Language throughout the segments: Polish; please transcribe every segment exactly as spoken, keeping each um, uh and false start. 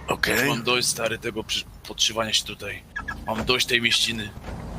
Okej. Okay. Mam dość, stary, tego podszywania się tutaj. Mam dość tej mieściny.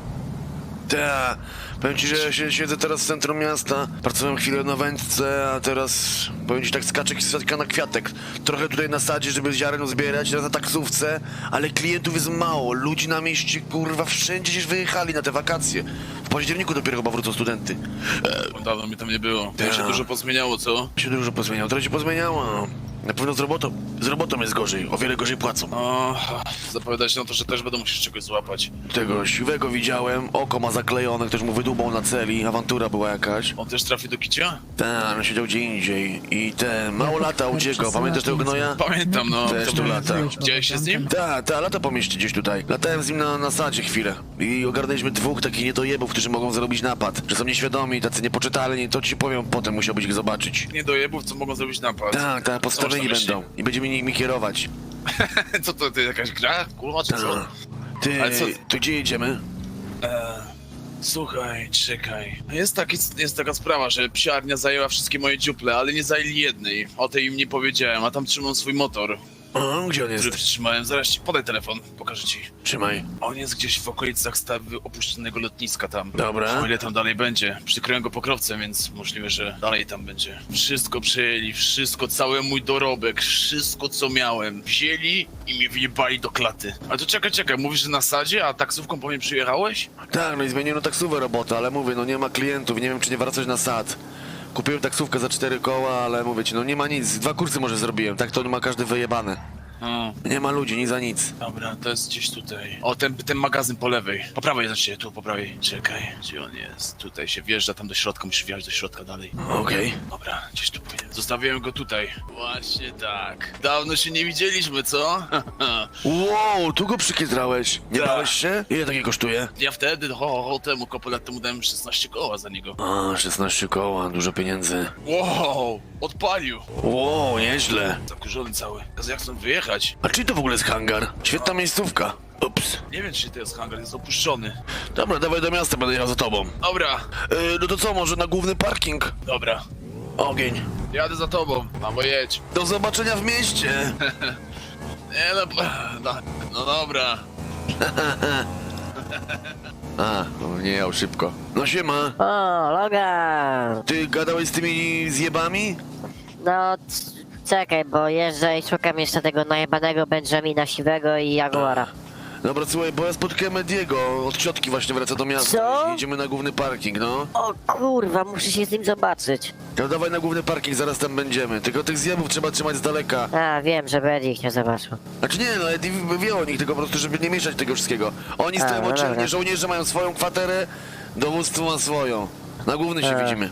Ta, powiem ci, że ja się, siedzę teraz w centrum miasta, pracowałem chwilę na wędce, a teraz powiem ci tak skaczek i sadka na kwiatek. Trochę tutaj na sadzie, żeby ziaren zbierać, teraz na taksówce, ale klientów jest mało, ludzi na mieście, kurwa, wszędzie gdzieś wyjechali na te wakacje. W październiku dopiero chyba wrócą studenty. E, Dawno mi tam nie było. To ta. się dużo pozmieniało, co? Się dużo pozmieniało, trochę się pozmieniało. Na pewno z robotą, z robotą jest gorzej, o wiele gorzej płacą. O, zapowiada się na to, że też będę musiał czegoś złapać. Tego siwego widziałem, oko ma zaklejone, ktoś mu wydłubał na celi, awantura była jakaś. On też trafi do kicia? Tak, on siedział gdzie indziej i ten, mało lata uciekał, pamiętasz tego gnoja? Pamiętam, no. Też To tu był- lata. Widziałeś się z nim? Tak, tak, lata po mieście gdzieś tutaj. Latałem z nim na, na sadzie chwilę i ogarnęliśmy dwóch takich niedojebów, którzy mogą zrobić napad. Że są nieświadomi, tacy niepoczytalni, to ci powiem potem, musiałbyś ich zobaczyć. Nie dojebów, co mogą zrobić napad. Tak, tak, postawieni Co masz na będą i będziemy nimi kierować. Co to, to jakaś gra? Kurwa, czy co? Tak. Ty, Ale co- to gdzie jedziemy? E, słuchaj, czekaj. Jest, taki, jest taka sprawa, że psiarnia zajęła wszystkie moje dziuple, ale nie zajęli jednej. O tej im nie powiedziałem, a tam trzymam swój motor, O, gdzie on jest? który przytrzymałem. Zaraz ci podaj telefon, pokażę ci. Trzymaj. On jest gdzieś w okolicach stawy opuszczonego lotniska tam. Dobra. O ile tam dalej będzie. Przykryłem go pokrowcem, więc możliwe, że dalej tam będzie. Wszystko przejęli, wszystko, cały mój dorobek, wszystko co miałem. Wzięli i mnie wyjebali do klaty. Ale to czekaj, czekaj, mówisz, że na sadzie, a taksówką po mnie przyjechałeś? Tak, no i zmieniłem taksówkę robotę, ale mówię, no nie ma klientów, nie wiem czy nie wracać na sad. Kupiłem taksówkę za cztery koła, ale mówię ci, no nie ma nic, dwa kursy może zrobiłem, tak to ma każdy wyjebane. No, Nie ma ludzi, nic za nic. dobra, to jest gdzieś tutaj. O, ten, ten magazyn po lewej. Po prawej, znaczy tu po prawej. Czekaj, gdzie on jest? Tutaj się wjeżdża, tam do środka, musisz wjechać do środka dalej. Okej. Dobra, gdzieś tu powinien. Zostawiłem go tutaj. Właśnie tak. Dawno się nie widzieliśmy, co? Wow, tu go przykiedrałeś. Nie Tak. bałeś się? Ile takie kosztuje? Ja wtedy, ho, ho, ho temu, kopę lat temu dałem szesnaście koła za niego. A, szesnaście koła, dużo pieniędzy. Wow, odpalił. Wow, nieźle. Zakurzony cały. Jezu, jak stąd wyjechać? A czy to w ogóle jest hangar? Świetna miejscówka. Ups. Nie wiem, czy to jest hangar, jest opuszczony. Dobra, dawaj do miasta, będę jechał za tobą. Dobra, Yy, no to co, może na główny parking? dobra. Ogień. Jadę za tobą. Mamo, jedź. Do zobaczenia w mieście. Nie no, no, no dobra. A, no nie jechał szybko. No siema. O, Logan! Ty gadałeś z tymi zjebami? No, c- czekaj, bo jeżdżę i szukam jeszcze tego najebanego Benjamina Siwego i Jaguara. Dobra, słuchaj, bo ja spotkałem Ediego, od ciotki właśnie wraca do miasta. Co? Jedziemy na główny parking, no. O kurwa, muszę się z nim zobaczyć. No dawaj na główny parking, zaraz tam będziemy. Tylko tych zjebów trzeba trzymać z daleka. A, wiem, że Eddie ich nie zobaczył. Znaczy nie, no Eddie wie o nich, tylko po prostu, żeby nie mieszać tego wszystkiego. Oni A, stoją no oddzielnie, dobra. żołnierze mają swoją kwaterę, dowództwo ma swoją. Na główny się A. widzimy.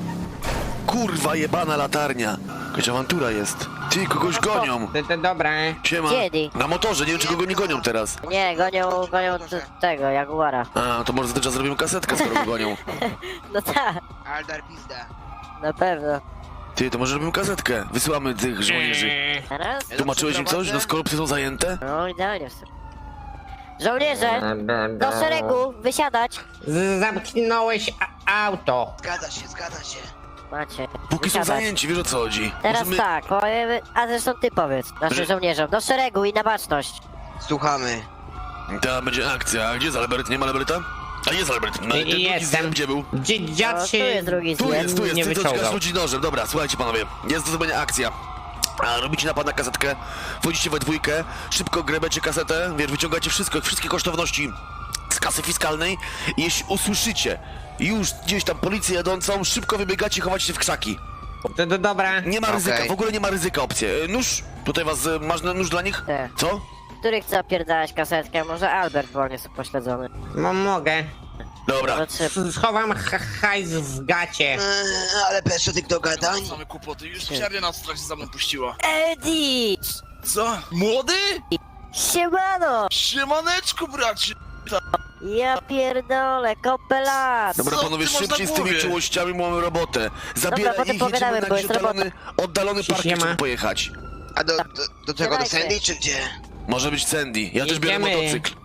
Kurwa, jebana latarnia. Jakaś awantura jest. Ty, kogoś gonią. To, to dobra. Siema. Kiedy? Na motorze, nie wiem czy kogo nie gonią teraz. Nie, gonią, gonią t- tego, Jaguara. A, to może za ten czas zrobimy kasetkę, skoro go gonią. No tak, Aldar pizda. na pewno. Ty, to może robimy kasetkę. Wysyłamy tych żołnierzy. Teraz? Tłumaczyłeś im coś? No skoro psy są zajęte? No, idealnie. Żołnierze, do szeregu, wysiadać. Z- Zamknąłeś a- auto. Zgadza się, zgadza się. Macie, Póki są wysiadać. zajęci, wiesz o co chodzi. Teraz Możemy- tak, powiemy, a zresztą ty powiedz naszym Że- żołnierzom, do szeregu i na baczność. Słuchamy. Ta będzie akcja. A gdzie jest Albert? Nie ma Alberta? A jest Albert. No, ten drugi Jestem. zjem gdzie był? Dzi- No, Dziad tu się jest drugi Tu zjem. jest, tu jest. nie Ty to wyciągał. czekasz ludzi nożem. Dobra, słuchajcie panowie. Jest do zrobienia akcja. A robicie napad na kasetkę, wchodzicie we dwójkę, szybko grebecie kasetę, wiesz, wyciągacie wszystko, wszystkie kosztowności z kasy fiskalnej i jeśli usłyszycie już gdzieś tam policję jadącą, szybko wybiegacie i chowacie się w krzaki. To, to dobra. Nie ma ryzyka, Okej. w ogóle nie ma ryzyka opcji. E, Nóż, tutaj was, e, masz nóż dla nich? Tak. Co? Który chce opierdalać kasetkę? Może Albert wolnie jest upośledzony. No, mogę. Dobra. No trzy. Schowam ha- hajs w gacie. Eee, ale bez żadnych dogadań. Same kłopoty, już psiarnia nas w trakcie za mną puściła. Eddie! Co? Młody? Siemano! Siemaneczku, bracie! Ja pierdolę, kopelat! Dobra Co panowie, ty masz szybciej na z tymi głowie? czułościami, bo mamy robotę. Zabieraj potem ich, jedziemy pogadamy, na bo jakiś jest oddalony, oddalony Siema. parking, żeby pojechać. A do, do, do czego, do Siadajcie. Sandy czy gdzie? Może być Sandy, ja też biorę Jedziemy. motocykl.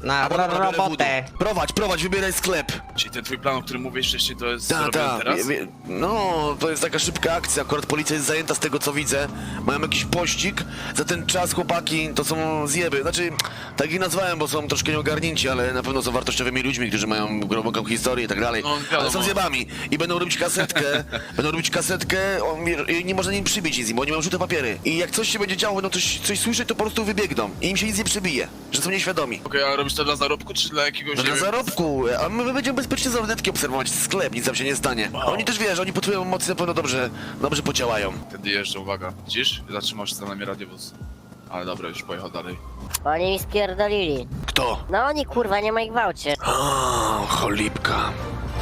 Na Albo dobra, ro biorę robotę. voodoo. Prowadź, prowadź, wybieraj sklep. Czyli ten twój plan, o którym mówiłeś wcześniej, to jest Tak, zrobiony tak. teraz? Wie- wie- No, to jest taka szybka akcja. Akurat policja jest zajęta z tego, co widzę. Mają jakiś pościg. Za ten czas chłopaki to są zjeby. Znaczy, tak ich nazwałem, bo są troszkę nieogarnięci, ale na pewno są wartościowymi ludźmi, którzy mają głęboką historię i tak dalej. No, wiadomo. Ale są zjebami. I będą robić kasetkę. będą robić kasetkę. On, i nie można nim przybić nic, bo oni mają żółte papiery. I jak coś się będzie działo, będą coś, coś słyszeć, to po prostu wybiegną. I im się nic nie przybije. Że są nieświadomi. Okej, a robisz to dla zarobku, czy dla jakiegoś... No nie na wiem, zarobku, a my będziemy bezpiecznie z lornetki obserwować sklep, nic tam się nie stanie. A oni też, wiesz, oni po twojej emocji na pewno dobrze, dobrze podziałają. Wtedy jeżdżę, uwaga. Widzisz? Zatrzymał się za nami radiowóz. Ale dobra, już pojechał dalej. Oni mi spierdolili. Kto? No oni kurwa, nie ma ich w aucie. O, cholipka.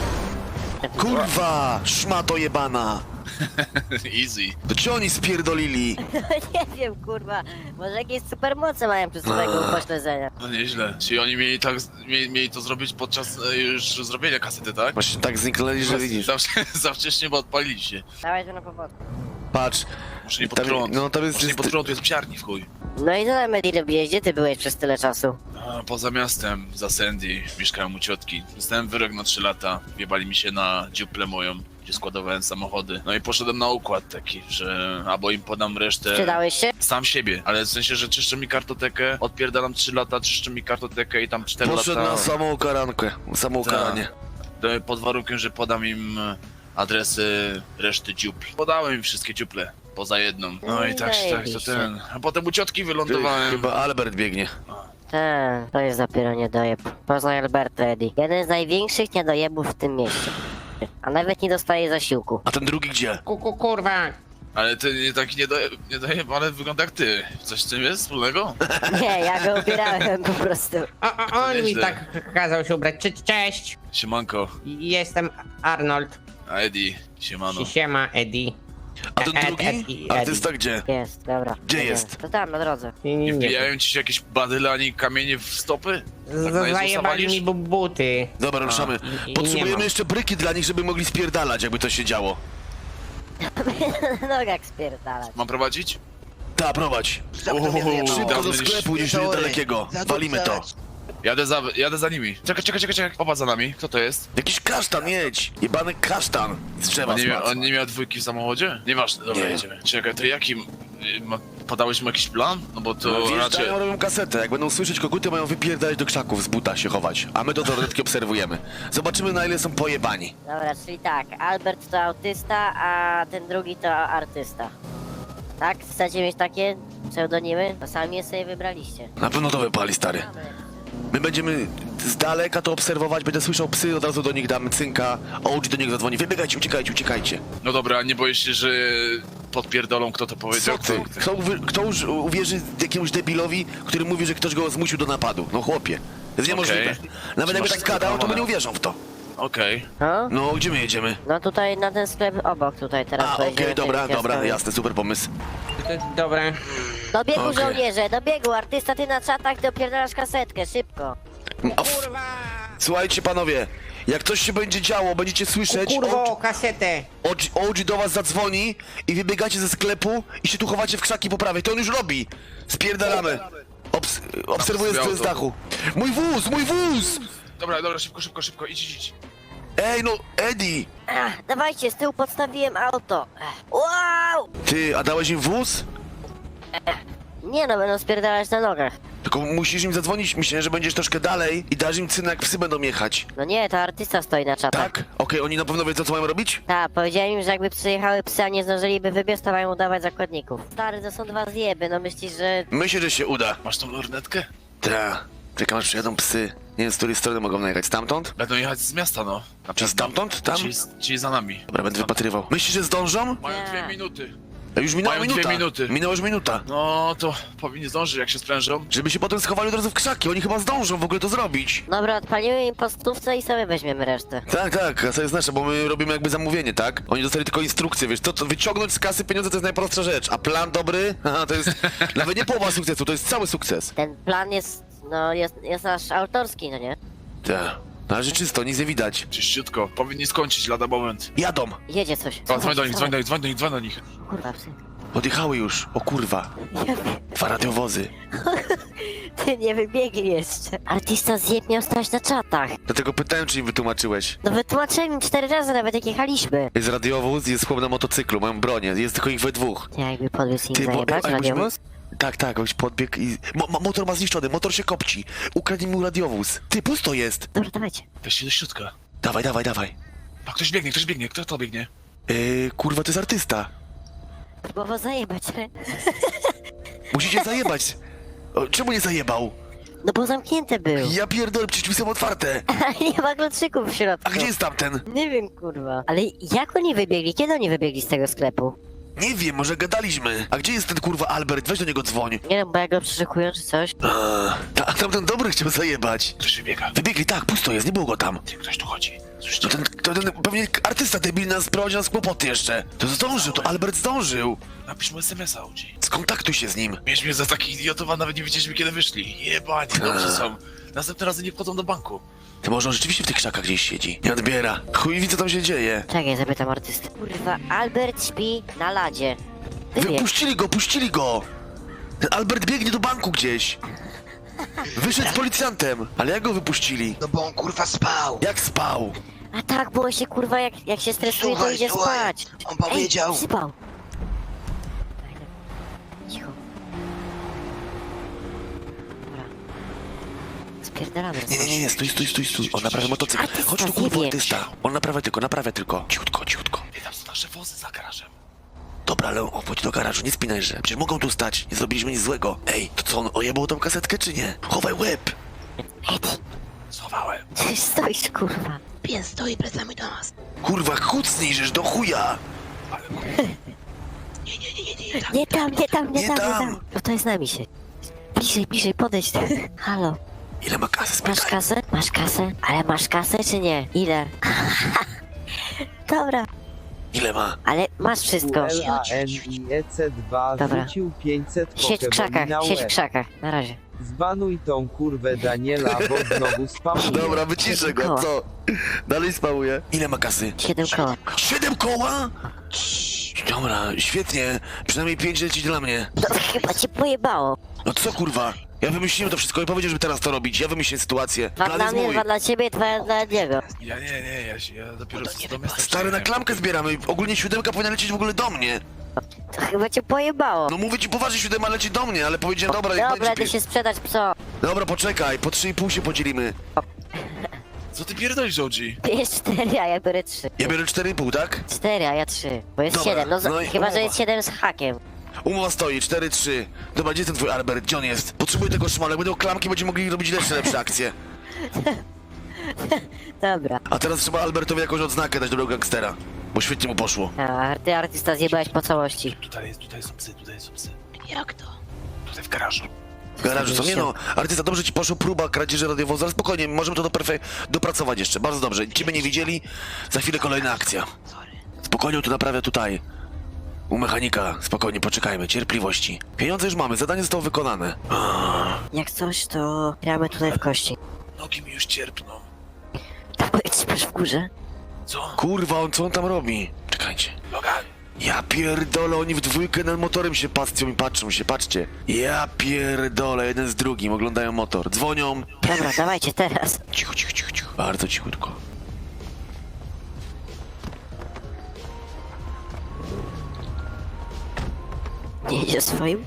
Kurwa, szmato jebana. Easy. To ci oni spierdolili. Nie wiem kurwa, może jakieś supermoce mają przy swojego upośledzenia. No nieźle. Czyli oni mieli tak, mieli, mieli to zrobić podczas e, już zrobienia kasety, tak? Właśnie tak zniknęli, że widzisz. Za, za wcześnie, bo odpalili się. Dawaj tu na powodku. Patrz. Muszę nie pod Tam- prąd. no, tam jest- Muszę nie jest- pod prąd, tu jest psiarni w chuj. No i co tam Eddie robiłeś? Gdzie ty byłeś przez tyle czasu? A, poza miastem, za Sandy, mieszkałem u ciotki. Dostałem wyrok na trzy lata. Wjebali mi się na dziuplę moją, gdzie składowałem samochody. No i poszedłem na układ taki, że albo im podam resztę... Sprzedałeś się? Sam siebie, ale w sensie, że czyszczę mi kartotekę, odpierdalam trzy lata, czyszczę mi kartotekę i tam cztery Poszedł lata... na samą karankę, samą Tak. karanie. To pod warunkiem, że podam im e, adresy reszty dziupl. Podałem im wszystkie dziuple, poza jedną. No i tak, tak, to Zajebiście. ten... A potem u ciotki Ty, wylądowałem. chyba Albert biegnie. Tak, to jest dopiero niedojeb. Poznaj Alberta, Eddie. Jeden z największych niedojebów w tym mieście. A nawet nie dostaje zasiłku. A ten drugi gdzie? Kuku kurwa. Ale ty nie taki nie daje, nie daje, ale wygląda jak ty. Coś z tym jest wspólnego? Nie, ja go ubierałem po prostu. O, o, on mi Nieźle. tak kazał się ubrać. Cze- Cześć. Siemanko, Jestem Arnold. a Eddie, siemano. Siema Eddie. A ten Ed- drugi? Ed i Artysta gdzie? Jest, dobra. Gdzie Jedziemy. jest? To tam, na drodze. Nie, nie, Nie nie. wbijają ci się jakieś badyle ani kamienie w stopy? Tak na Z- Jezusa Zajebali walisz? mi bu- buty. Dobra, ruszamy. i- i nie Potrzebujemy mam. jeszcze bryki dla nich, żeby mogli spierdalać, jakby to się działo. Na nogach spierdalać. Mam prowadzić? Ta, prowadź. Za kto mnie Uuu, wyjebał? Szybko do dawno niż- sklepu, niż Sorry. dalekiego. Za Walimy to. dupę. Jadę za, jadę za nimi. Czekaj, czekaj, czekaj, czekaj. Popatrz za nami. Kto to jest? Jakiś kasztan, jedź. Jebany kasztan. Z drzewa On nie, mia, spadł. on nie miał dwójki w samochodzie? Nieważne, dobra, Nie. jedziemy. Czekaj, to jakim... y, Ma, podałeś mu jakiś plan? No bo to No, raczej... wjeżdżają, robią kasetę. Jak będą słyszeć koguty, mają wypierdalać do krzaków, z buta się chować. A my do torebki obserwujemy. Zobaczymy, na ile są pojebani. Dobra, czyli tak, Albert to autysta, a ten drugi to artysta. Tak? Chcecie mieć takie pseudonimy? To sami je sobie wybraliście. Na pewno to wypali, stary. My będziemy z daleka to obserwować, będę słyszał psy, od razu do nich damy cynka, O G do nich zadzwoni. Wybiegajcie, uciekajcie, uciekajcie. No dobra, nie boisz się, że podpierdolą, kto to Co powiedział? ty? Kto, uwi- kto już uwierzy jakiemuś debilowi, który mówi, że ktoś go zmusił do napadu? No chłopie, to jest niemożliwe. Okej. Nawet Czy jakby masz tak gadał, to my skomplikowane? nie uwierzą w to. Okej. No? No, gdzie my jedziemy? No tutaj na ten sklep obok tutaj teraz A, okej, pojedziemy dobra, tymi dobra, kioskami. jasne, super pomysł. D- Dobra. Do biegu Okej. żołnierze, do biegu, artysta ty na czatach dopierdalasz kasetkę, szybko. A f- Kurwa. Słuchajcie panowie, jak coś się będzie działo, będziecie słyszeć, Kurwo, kasetę. O G do was zadzwoni i wybiegacie ze sklepu i się tu chowacie w krzaki po prawej. To on już robi. Spierdalamy. Obs obserwuję Tam z, sobie z auto. dachu. Mój wóz, mój wóz! Dobra, dobra, szybko, szybko, szybko, idź, idź, idź. Ej, no, Eddie! Ach, dawajcie, z tyłu podstawiłem auto. Ech. Wow! Ty, a dałeś im wóz? Nie no, będą spierdalać na nogach. Tylko musisz im zadzwonić, myślę, że będziesz troszkę dalej i dasz im cynę, jak psy będą jechać. No nie, to artysta stoi na czatach. Tak? Okej, oni na pewno wiedzą, co mają robić? Tak, powiedziałem im, że jakby przyjechały psy, a nie zdążyliby wybiec, to mają udawać zakładników. Stary, to są dwa zjeby, no myślisz, że... Myślę, że się uda. Masz tą lornetkę? Ta. Czekam, aż przyjadą psy. Nie wiem, z której strony mogą najechać. Stamtąd? Będą jechać z miasta, no. Na Czy stamtąd? Tam? Czyli, czyli za nami. Dobra, będę wypatrywał. Myślisz, że zdążą? Mają dwie Nie. minuty. A już minęła Mają minuta. dwie minuty. Minęła już minuta. No to powinni zdążyć, jak się sprężą. Żeby się potem schowali od razu w krzaki. Oni chyba zdążą w ogóle to zrobić. Dobra, odpalimy im po stówce i sobie weźmiemy resztę. Tak, tak, kasa jest nasza, bo my robimy jakby zamówienie, tak? Oni dostali tylko instrukcję, wiesz, to, to wyciągnąć z kasy pieniądze to jest najprostsza rzecz, a plan dobry, haha, to jest nawet nie połowa sukcesu, to jest cały sukces. Ten plan jest, no, jest, jest nasz autorski, no nie? Tak, na razie czysto, nic nie widać. Czyściutko. Powinni skończyć lada moment. Jadą. Jedzie coś. O, dzwoń do nich, dzwoń Dawaj, do nich, dzwoń do nich, dzwoń do nich. Kurwa, psy. Odjechały już, o kurwa. Dwa radiowozy. Ty nie wybiegli jeszcze. Artysta zjeb miał stać na czatach. Dlatego pytałem, czy im wytłumaczyłeś. No wytłumaczyłem im cztery razy nawet jak jechaliśmy. Jest radiowóz, jest chłop na motocyklu, mają bronię, jest tylko ich we dwóch. Nie, jakby podwiózł im Ty, bo- zajebać, a jakbyśmy- radiowóz? Tak, tak, jakbyś podbiegł i... Mo mo motor ma zniszczony, motor się kopci. Ukradnij mu radiowóz. Ty, pusto jest. Dobra, dawajcie. Weźcie do środka. Dawaj, dawaj, dawaj. A ktoś biegnie, ktoś biegnie, kto to biegnie? Yy, kurwa, to jest artysta. Próbował zajebać, ale... Musicie zajebać. O, czemu nie zajebał? No bo zamknięte był. Ja pierdolę, przecież drzwi są otwarte. Nie ma kluczyków w środku. A gdzie jest tamten? Nie wiem, kurwa. Ale jak oni wybiegli? Kiedy oni wybiegli z tego sklepu? Nie wiem, może gadaliśmy. A gdzie jest ten kurwa Albert? Weź do niego dzwoń. Nie wiem, bo jak go przeszukują czy coś. A, ta, tamten dobry chciał zajebać. Ktoś wybiega. Wybiegli, tak, pusto jest, nie było go tam. Ty, ktoś tu chodzi. To Słyszycie? ten, to ten pewnie artysta debil nas prowadzi nas w kłopoty jeszcze. To zdążył, to Albert zdążył. Napisz mu es em es a, O G. Skontaktuj się z nim. Mieliśmy mnie za takich idiotów, a nawet nie wiedzieliśmy kiedy wyszli. Jebani, dobrze są. Następne razy nie wchodzą do banku. To może on rzeczywiście w tych krzakach gdzieś siedzi. Nie odbiera. Chuj wie co tam się dzieje. Czekaj, zapytam artystę. Kurwa, Albert śpi na ladzie. Wybieg. Wypuścili go, puścili go! Ten Albert biegnie do banku gdzieś. Wyszedł z policjantem. Ale jak go wypuścili? No bo on kurwa spał. Jak spał? A tak, bo on się kurwa jak, jak się stresuje, to Słuchaj, idzie słuchaj, spać. on powiedział- Ej, sypał. Cicho. Dobra. Spierdalamy. Nie, nie, nie, nie, stój, stój, stój, stój. On naprawia motocykl. Artysta, Chodź tu, kurwa, zjebie. artysta. On naprawia tylko, naprawia tylko. Ciutko, ciutko. Wie, tam są nasze wozy za garażem. Dobra, ale on chodź do garażu, nie spinaj, że. Przecież mogą tu stać. Nie zrobiliśmy nic złego. Ej, to co, on ojebał tą kasetkę, czy nie? Chowaj łeb. Eddie, Schowałem. ty stoisz, kurwa. Pies stoi plecami do nas. Kurwa, kucnij, żeż do chuja. Nie, nie, nie, nie, nie, tak. Nie tam, nie tam, nie Nie tam, nie tam. tam. No to jest z nami się. Bliżej, bliżej, podejdź. Halo, Ile ma kasy, masz spytaj. kasę? Masz kasę? Ale masz kasę czy nie? Ile? Dobra, Ile ma? ale masz wszystko. L A N I E C dwa Dobra. rzucił pięćset Siedź w krzakach, na siedź w łeb. krzakach. Na razie. Zbanuj tą kurwę Daniela, bo znowu spamuje. Dobra, wyciszę go, Koła. co? Dalej spałuje. Ile ma kasy? Siedem koła. Siedem koła? Dobra, świetnie. Przynajmniej pięć leci dla mnie. No chyba cię pojebało. No co kurwa? Ja wymyśliłem to wszystko i powiedział, żeby teraz to robić. Ja wymyśliłem sytuację. Dwa Plan dla jest mnie, mój. dwa dla ciebie, dwa dla niego. Ja nie, nie, ja, się, ja dopiero No to nie do miasta Stary, na przyjechałem. klamkę zbieramy. Ogólnie siódemka powinna lecieć w ogóle do mnie. To chyba cię pojebało. No mówię ci poważnie, siódema leci do mnie, ale powiedziałem, dobra, jak Dobra, będzie... ty się sprzedać pso. Dobra, poczekaj, po trzy i pół się podzielimy. Co ty pierdolisz, O G? Bierz cztery, a ja biorę trzy. Ja biorę cztery i pół, tak? Cztery, a ja trzy. Bo jest Dobra, siedem. No, za- no i chyba, że umowa. jest siedem z hakiem. Umowa stoi, cztery trzy. Dobra, gdzie jest ten twój Albert? Gdzie on jest? Potrzebuję tego szmala, jak będą klamki, będziemy mogli robić lepsze, lepsze akcje. Dobra. A teraz trzeba Albertowi jakąś odznakę dać do gangstera. Bo świetnie mu poszło. A ty artysta zjebałeś po całości. Tutaj, jest, tutaj są psy, tutaj są psy. Jak to? Tutaj w garażu. W garażu co? Nie no, artysta, dobrze ci poszło, próba kradzieży radiowozu, ale spokojnie, możemy to do perfe- dopracować jeszcze, bardzo dobrze. Ciebie nie widzieli, za chwilę kolejna akcja. Sorry. Spokojnie tu naprawia tutaj. U mechanika, spokojnie, poczekajmy, cierpliwości. Pieniądze już mamy, zadanie zostało wykonane. Jak coś, to gramy tutaj w kości. Nogi mi już cierpną. To powiedz, w górze. Co? Kurwa, on co on tam robi? Czekajcie. Logan. Ja pierdolę, oni w dwójkę nad motorem się patrzą i patrzą się, patrzcie. Ja pierdolę, jeden z drugim, oglądają motor, dzwonią. Dobra, dawajcie teraz. Cicho, cicho, cicho, cicho. Bardzo cichutko. Nie idzie swoim?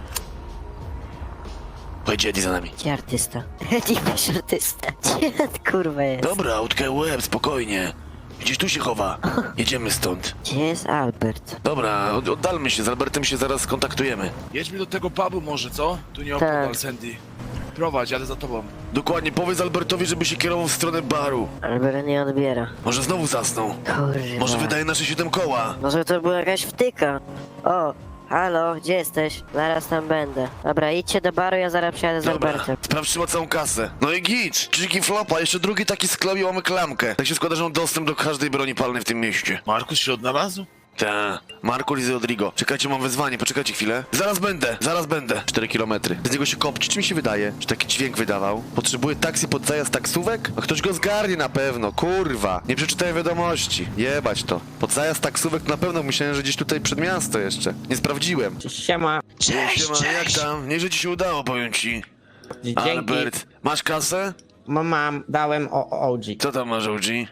Pojedzie Eddie za nami. Gdzie artysta? Nie masz artysta. Gdzie kurwa jest? Dobra, utkaj łeb, spokojnie. Gdzieś tu się chowa. Jedziemy stąd. Gdzie jest Albert? Dobra, od, oddalmy się, z Albertem się zaraz skontaktujemy. Jedźmy do tego pubu może, co? Tu nie Tak. opodal, Sandy. Prowadź, jadę za tobą. Dokładnie, powiedz Albertowi, żeby się kierował w stronę baru. Albert nie odbiera. Może znowu zasnął. Kurwa. Może wydaje nasze siedem koła. Może to była jakaś wtyka. O, halo, gdzie jesteś? Zaraz tam będę. Dobra, idźcie do baru, ja zaraz przyjadę z Dobra, Albertem. sprawdź, czy ma całą kasę. No i git, czyki flopa, jeszcze drugi taki sklep i mamy klamkę. Tak się składa, że mam dostęp do każdej broni palnej w tym mieście. Markus się odnalazł? Ta, Marco Lizy Rodrigo. Czekajcie, mam wezwanie, poczekajcie chwilę. Zaraz będę, zaraz będę. cztery kilometry. Z niego się kopci, czy mi się wydaje, że taki dźwięk wydawał? Potrzebuję taksy pod zajazd taksówek? A ktoś go zgarnie na pewno, kurwa. Nie przeczytaję wiadomości. Jebać to. Pod zajazd taksówek na pewno myślałem, że gdzieś tutaj przed miasto jeszcze. Nie sprawdziłem. Siema. Cześć, Siema, jak cześć. tam? Nieźle ci się udało, powiem ci. Dzięki. Albert, masz kasę? Ma- Mam, dałem o O G. Co tam masz, O G?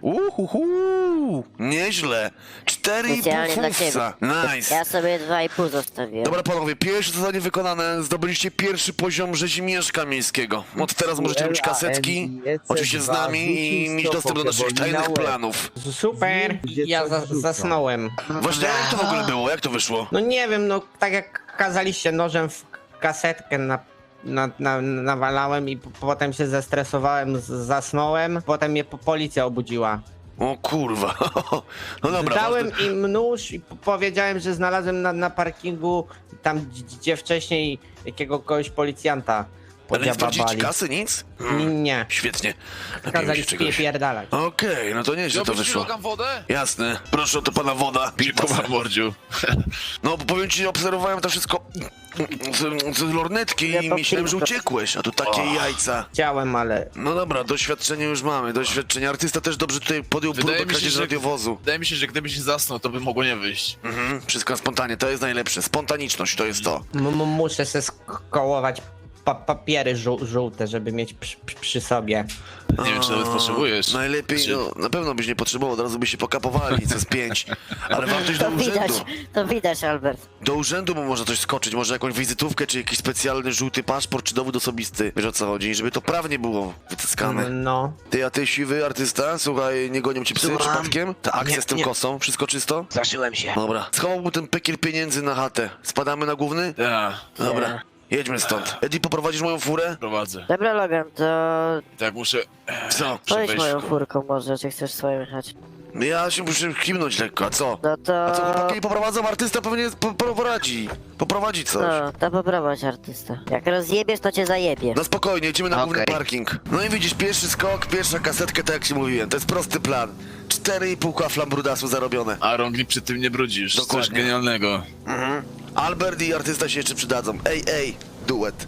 Uhuhu, nieźle. Cztery i pół Specjalnie dla ciebie. fusa. Nice. Ja sobie dwa i pół zostawiłem. Dobra panowie, pierwsze zadanie wykonane, zdobyliście pierwszy poziom rzezimieszka miejskiego. Od teraz możecie robić kasetki, oczywiście z nami i mieć dostęp do naszych tajnych planów. Super. Gdzie Ja coś za rzucą. zasnąłem. Właśnie, jak to w ogóle było? Jak to wyszło? No nie wiem, no tak jak kazaliście nożem w kasetkę na, na, na, nawalałem i po, potem się zestresowałem, z, zasnąłem, potem mnie po, policja obudziła. O kurwa. No dobra. Dałem ważne- im nóż i po- powiedziałem, że znalazłem na, na parkingu tam, gdzie- gdzie wcześniej jakiegoś policjanta Ale nie sprawdziliście podziababali. kasy, nic? N- Nie, Świetnie. Napiłem kazali się czegoś. spierdalać. Okej, no to nieźle to Wziąłbyś wyszło. kilogram wodę? Jasne. Proszę o to pana woda. Dziękuję, mordziu. No, bo powiem ci, obserwowałem to wszystko z, z lornetki Ja i to myślałem, że piłko. uciekłeś, a tu takie jajca. Chciałem, ale No dobra, doświadczenie już mamy, doświadczenie. Artysta też dobrze tutaj podjął próbę Wydaje mi się, kradzieży że- radiowozu. Wydaje mi się, że gdybyś nie zasnął, to by mogło nie wyjść. Mhm, wszystko spontanie, to jest najlepsze. Spontaniczność to jest to. m- m- muszę se skołować pa papiery żół żółte, żeby mieć przy, przy, przy sobie. Nie wiem, czy nawet A, potrzebujesz. Najlepiej, Czy- no, na pewno byś nie potrzebował, od razu by się pokapowali, co z pięć. Ale warto iść do To widać, urzędu. to widać, Albert. Do urzędu mu można coś skoczyć, może jakąś wizytówkę, czy jakiś specjalny żółty paszport, czy dowód osobisty. Wiesz o co chodzi, żeby to prawnie było wycyskane. No. Ty, a ty siwy artysta, słuchaj, nie gonią ci psy Słucham. przypadkiem? Ta akcja Nie, z tym nie. kosą, wszystko czysto? Zaszyłem się. Dobra, schował mu ten pekiel pieniędzy na chatę. Spadamy na główny? Tak, Dobra, jedźmy stąd. Eddie, poprowadzisz moją furę? prowadzę. Dobra, Logan, to Tak, muszę... Co? pojedź wejść moją w- furką może, czy chcesz swoją jechać. Ja się muszę kimnąć lekko, a co? No to... A co, chłopaki nie poprowadzą? Artysta pewnie po- poradzi. Poprowadzi coś. No, to poprowadź artysta. Jak rozjebiesz, to cię zajebie. No spokojnie, jedziemy na główny Okej. parking. No i widzisz, pierwszy skok, pierwsza kasetka, tak jak ci mówiłem. To jest prosty plan. Cztery i pół kafla brudasu zarobione. A rąk przy tym nie brudzisz. Dokładnie. Coś genialnego. Mhm. Albert i artysta się jeszcze przydadzą. Ej, ej, duet.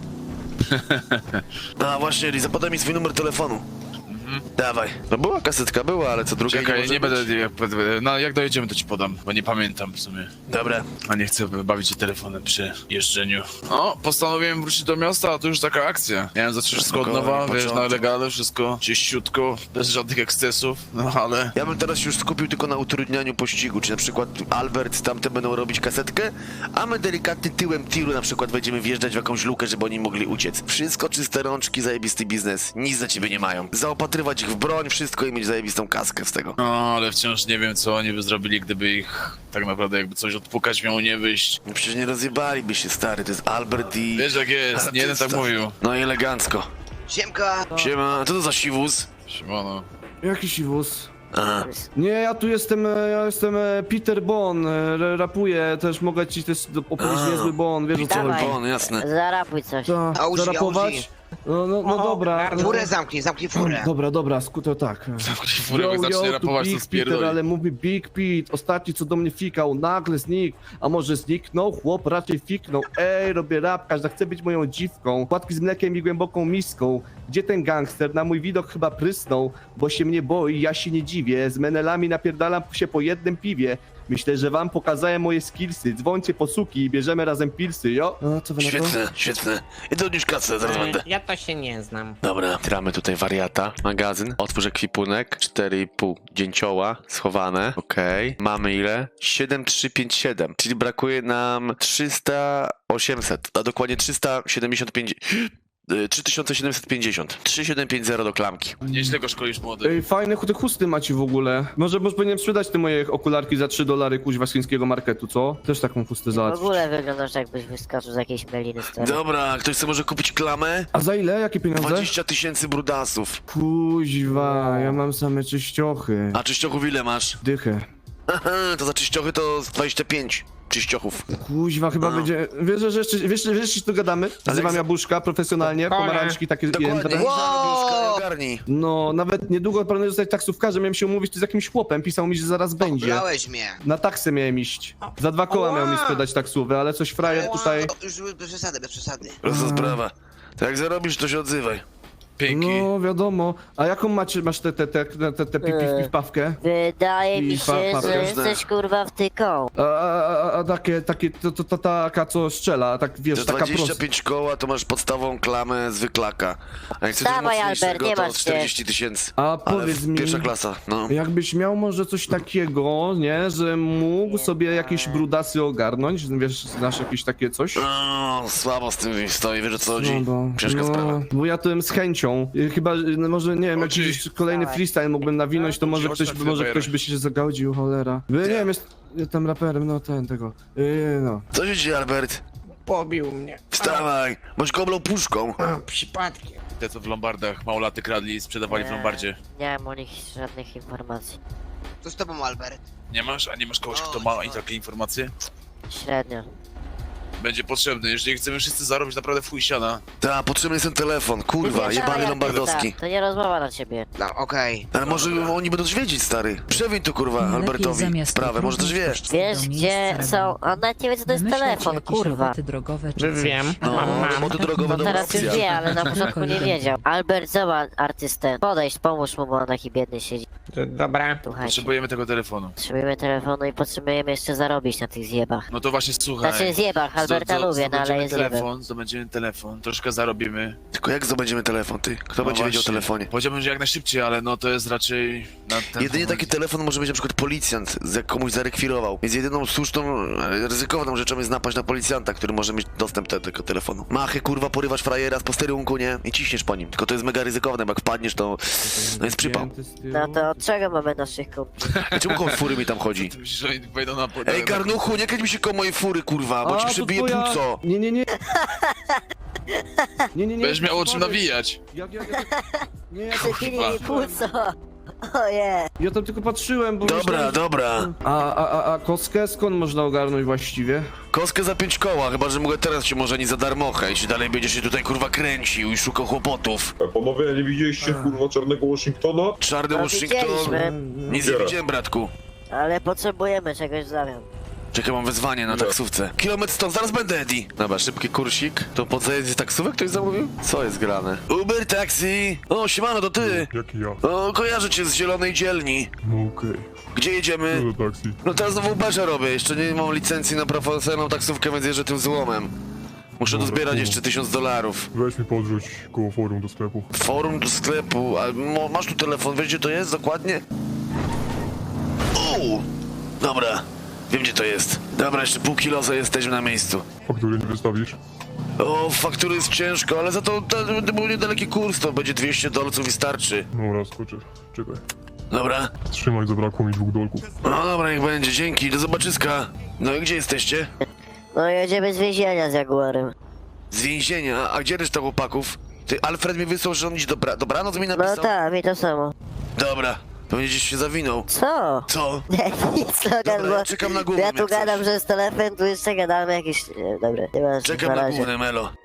A właśnie, Eli, zapadaj mi swój numer telefonu. Dawaj. No była kasetka, była, ale co drugie Czekaj, może nie być? będę... Jak, no, jak dojedziemy, to ci podam, bo nie pamiętam w sumie. Dobra. A nie chcę bawić się telefonem przy jeżdżeniu. O, postanowiłem wrócić do miasta, a to już taka akcja. Miałem zacząć wszystko od Spokojnie, nowa, wiesz, na początek. legale, wszystko czyściutko, bez żadnych ekscesów, no ale... Ja bym teraz się już skupił tylko na utrudnianiu pościgu, czy na przykład Albert tamte będą robić kasetkę, a my delikatnie tyłem tiru na przykład będziemy wjeżdżać w jakąś lukę, żeby oni mogli uciec. Wszystko czyste rączki, zajebisty biznes. Nic za ciebie nie mają. Zaopatrywać ich w broń, wszystko i mieć zajebistą kaskę z tego. No, ale wciąż nie wiem, co oni by zrobili, gdyby ich tak naprawdę jakby coś odpukać miało nie wyjść. No przecież nie rozjebaliby się, stary, to jest Albert i... Wiesz jak jest, nie jeden tak artysta. mówił. No i elegancko. Siemka. Siema, co to za siwóz? Siemano. Jaki siwus? Aha. Nie, ja tu jestem, e, ja jestem e, Peter Bon, e, r- rapuję, też mogę ci też do- opowiedzieć A. niezły Bon, wiesz o co Dawaj. chodzi. On, jasne. Zarapuj coś. Ta, Auzi, zarapować? Auzi. No, no, no O, dobra. no, Furę zamknij, zamknij furę. Dobra, dobra, skuto tak. Furę, jak zacznie tu rapować, to Big Peter, spierdoli. ale mówi Big Pete, ostatni co do mnie fikał, nagle znikł, a może zniknął, chłop raczej fiknął, ej, robię rap, każda chce być moją dziwką, płatki z mlekiem i głęboką miską, gdzie ten gangster, na mój widok chyba prysnął, bo się mnie boi, ja się nie dziwię, z menelami napierdalam się po jednym piwie, myślę, że wam pokazałem moje skillsy, dzwońcie po suki i bierzemy razem pilsy, jo? A, co wy na to? Świetne, świetne. Idę odnieść kasę, zaraz będę. E, Ja to się nie znam. Dobra, tramy tutaj wariata, magazyn, otwórz ekwipunek, cztery i pół dzięcioła schowane, okej. Mamy ile? siedem trzy pięć siedem, czyli brakuje nam trzysta osiemset, a dokładnie trzysta siedemdziesiąt pięć, y, trzy tysiące siedemset pięćdziesiąt, trzy tysiące siedemset pięćdziesiąt do klamki. Nieźle go szkolisz, młody. Ej, fajne te chusty macie w ogóle. Może, może powinienem sprzedać te moje okularki za trzy dolary kuźwa z chińskiego marketu, co? Też taką chustę W załatwić. ogóle wyglądasz jakbyś wyskoczył z jakiejś meliny stary. Dobra, ktoś chce może kupić klamę? A za ile? Jakie pieniądze? dwadzieścia tysięcy brudasów. Kuźwa, ja mam same czyściochy. A czyściochów ile masz? Dychę. Aha, to za czyściochy to z dwadzieścia pięć. czyściochów. Kuźwa, chyba No. będzie... Wiesz, że jeszcze, wiesz, wiesz, że się tu gadamy? Nazywam za- jębuszka profesjonalnie, Spokojnie. pomarańczki takie Dokładnie, jędre. wow! Ogarnij. No, nawet niedługo planuję zostać taksówkarzem, miałem się umówić tu z jakimś chłopem, pisał mi, że zaraz będzie. Brałeś mnie. Na taksę miałem iść. Za dwa koła Ała! miał mi sprzedać taksówę, ale coś frajer tutaj... O, już bez przesady, bez przesady. Prosta sprawa. To jak zarobisz, to się odzywaj. Pięki. No, wiadomo. A jaką macie, masz tę te, te, te, te, te pi, pi, pi, pawkę? Wydaje mi I się, pa- pa- że każde. jesteś kurwa wtyką. A, a, a, a takie, takie, to, to, to taka co strzela, tak wiesz, Za taka dwadzieścia prosta. pięć koła to masz podstawową klamę zwyklaka. A jak chcesz coś Dawaj, mocniejszego, Albert, nie to masz się. czterdzieści tysięcy. A Ale powiedz w- mi, pierwsza klasa, no. jakbyś miał może coś takiego, nie, że mógł sobie jakieś brudasy ogarnąć, wiesz, znasz jakieś takie coś? No, słabo z tym stoi, wiesz o co chodzi? No, bo, Ciężka sprawa. bo ja to z chęcią. Y, Chyba, y, no może nie wiem, Oczy. jakiś kolejny Dawaj. freestyle mógłbym nawinąć, to może Oczy ktoś, na może Twittera. ktoś by się zagodził, cholera. Y, Nie wiem, jest, jestem raperem, no ten, tego. Y, no. Co się dzieje, Albert? Pobił mnie. Wstawaj, bądź koblą puszką. A, przypadkiem. Te co w lombardach małolaty kradli i sprzedawali w lombardzie. Nie mam o nich żadnych informacji. Co z tobą, Albert? Nie masz? A nie masz kogoś, O, kto ma no. i takie informacje? Średnio. Będzie potrzebny, jeżeli chcemy wszyscy zarobić naprawdę w chuj siana. Ta, potrzebny jest ten telefon, kurwa, Dawaj, jebany artysta, lombardowski. To nie rozmowa na ciebie. No, okej. Ale może oni będą wiedzieć, stary. Przewiń tu, kurwa, Lepiej Albertowi zamiast sprawę, może też wie. próbować pójść Wiesz do gdzie miejsca są... roboty. On nawet nie wie co to jest Wymyślać telefon, jakieś kurwa. roboty drogowe czy coś. Wiem. No, Mam, mam. samochody drogowe No to teraz już opcja. wie, ale na początku nie wiedział. Albert, zobacz artystę. Podejdź, pomóż mu, bo on taki biedny siedzi. D- Dobra. Słuchajcie. Potrzebujemy tego telefonu. Potrzebujemy telefonu i potrzebujemy jeszcze zarobić na tych zjebach. No to właśnie słuchaj. Znaczy zjebach, Alberta Zdo- zdo- lubię, no ale zdobędziemy jest zjebem. telefon, zdobędziemy telefon, troszkę zarobimy. Tylko jak zdobędziemy telefon, ty? Kto No będzie wiedział o właśnie. telefonie? Powiedziałbym, że jak najszybciej, ale no to jest raczej na ten Jedynie moment. taki telefon może być na przykład policjant, jak komuś zarekwirował. Więc jedyną słuszną, e, ryzykowną rzeczą jest napaść na policjanta, który może mieć dostęp do tego telefonu. Machy, kurwa, porywasz frajera z posterunku, nie? I ciśniesz po nim. Tylko to jest mega ryzykowne, bo jak wpadniesz, to no jest przypał. No to od czego mamy naszych kumpli? A czemu koło fury mi tam chodzi? Ty myślisz, że oni wejdą na... Ej, garnuchu, nie kręć mi się koło mojej fury, kurwa, bo A, ci to przybije twoja- płuco. Nie, nie, nie. Nie, nie, nie. Będziesz miał o czym sorry. nawijać. Jak, jak, jak, nie, ja, Przepili mi płuco! Oje! ja tam tylko patrzyłem, bo Dobra, myślałem, że- dobra. A, a, a, a kostkę skąd można ogarnąć właściwie? Kostkę za pięć koła, chyba że mogę teraz ci może nie za darmocha, jeśli dalej będziesz się tutaj kurwa kręcił i szukał kłopotów. Panowie, nie widzieliście kurwa czarnego Washingtona? Czarny No, Washington. widzieliśmy, Nic nie widziałem, bratku. ale potrzebujemy czegoś w zamian. Czekaj, mam wezwanie na Ile? taksówce. Kilometr stąd, zaraz będę, Eddie. Dobra, szybki kursik. To po co jest taksówek ktoś zamówił? Co jest grane? Uber Taxi! O, siemano, to ty! Jaki ja? O, kojarzę cię z zielonej dzielni. No okej. Gdzie jedziemy? No do taksi. No teraz znowu Uberze robię, jeszcze nie mam licencji na profesjonalną taksówkę, więc jeżdżę tym złomem. Muszę Dobra, dozbierać cool. jeszcze tysiąc dolarów. Weź mi podrzuć koło forum do sklepu. Forum do sklepu, a mo, masz tu telefon, wiesz gdzie to jest dokładnie? O! Dobra, wiem gdzie to jest. Dobra, jeszcze pół kilosa jesteśmy na miejscu. Faktury nie wystawisz? O, faktury jest ciężko, ale za to, to, to był niedaleki kurs, to będzie dwieście dolców i starczy. No raz, skoczę. Czekaj. Dobra? Trzymaj, zabrakło mi dwóch dolków. No dobra, niech będzie, dzięki, do zobaczyska. No i gdzie jesteście? No jedziemy z więzienia z Jaguarem. Z więzienia, a gdzie reszta chłopaków? Ty, Alfred mi wysłał, że on iść dobra, dobranoc mi No napisał? tak, mi to samo. Dobra, to będzie gdzieś się zawinął. Co? Co? Nie, nic Logan, Dobra, bo ja czekam na głównym, ja tu jak gadam, coś. że jest telefon, tu jeszcze gadamy jakieś... e, Dobra, nie ma Czekam na na razie. główny, Melo.